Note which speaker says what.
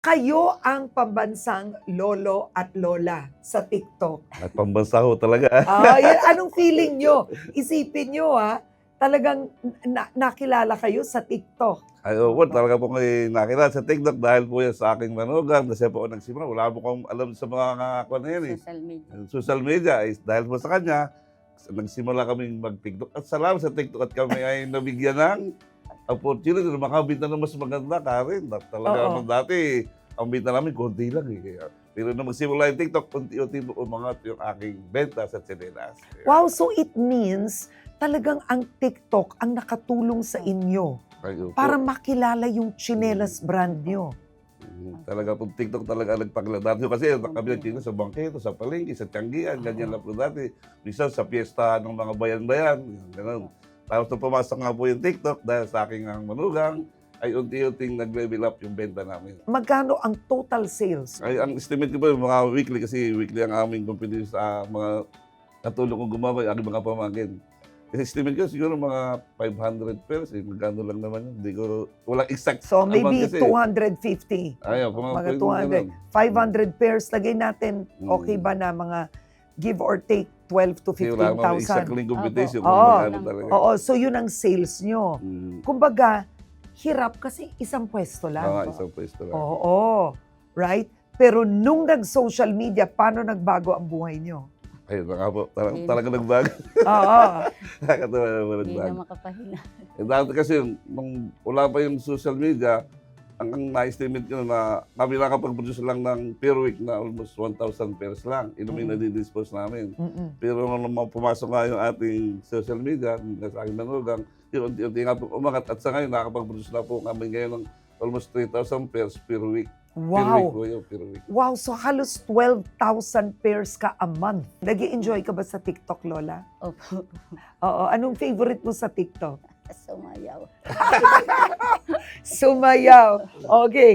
Speaker 1: Kayo ang pambansang lolo at lola sa TikTok.
Speaker 2: At pambansa ho talaga.
Speaker 1: Anong feeling nyo? Isipin nyo talagang nakilala kayo sa TikTok.
Speaker 2: Ay, talaga po kayo nakilala sa TikTok dahil po yan sa aking manugang. Kasi po ako nagsimula. Wala po akong alam sa mga kakakuan na yan eh.
Speaker 3: Social media.
Speaker 2: Social media. Dahil po sa kanya, nagsimula kaming mag-TikTok. At salamat sa TikTok at kami ay nabigyan ng opportunity na makabita ng mas maganda, Karen. Talaga naman dati, ang bita namin, konti lang eh. Pero nung magsimula yung TikTok, unti-unti po umangat yung aking benta sa tsinelas.
Speaker 1: Wow, so it means talagang ang TikTok ang nakatulong sa inyo para makilala yung tsinelas brand nyo.
Speaker 2: Talaga po, TikTok talaga nagpakilala. Dati kasi kami nagtitinda sa bangketo, sa palengke, sa Tianggian, ganyan lang po dati. Minsan sa piyesta ng mga bayan-bayan, gano'n. Tapos nung pumasok nga po yung TikTok dahil sa aking manugang, ay unti-unting nag-level up yung benta namin.
Speaker 1: Magkano ang total sales?
Speaker 2: Ay, ang estimate ko po yung mga weekly kasi weekly ang aming company sa mga katulong kong gumawa, yung aking mga pamangkin. Kasi estimate ko siguro mga 500 pairs, magkano lang naman yun. Hindi ko, walang exact
Speaker 1: So maybe
Speaker 2: kasi.
Speaker 1: 250.
Speaker 2: Ayaw,
Speaker 1: Mga 200. 500 pairs, lagay natin, okay ba na mga give or take 12 to 15,000?
Speaker 2: Exactly competition.
Speaker 1: Oo, so yun ang sales nyo. Kumbaga, hirap kasi isang pwesto lang.
Speaker 2: Isang pwesto lang.
Speaker 1: Oo, right? Pero nung nag-social media, paano nagbago ang buhay nyo?
Speaker 2: Ayun na nga po, talaga nagbago.
Speaker 1: Oo.
Speaker 2: Nakakatawa naman
Speaker 3: Hindi
Speaker 2: nagbago.
Speaker 3: na makapahinga.
Speaker 2: Dati kasi, nung wala pa yung social media, ang na-estimate ko na kami nakapag-produce lang ng per week na almost 1,000 pairs lang. Inumin na di-dispose namin. Pero nung pumasok nga yung ating social media, sa aking manugang, yun, unti-unti nga po umangat. At sa ngayon, nakapag-produce na po kami ngayon ng almost 3,000 pairs per week.
Speaker 1: Wow.
Speaker 2: Per week po yun, per week.
Speaker 1: Wow, so halos 12,000 pairs ka a month. Nag-i-enjoy ka ba sa TikTok, Lola?
Speaker 3: Opo.
Speaker 1: Oo, anong favorite mo sa TikTok?
Speaker 3: Sumayaw.
Speaker 1: Sumayaw. Okay.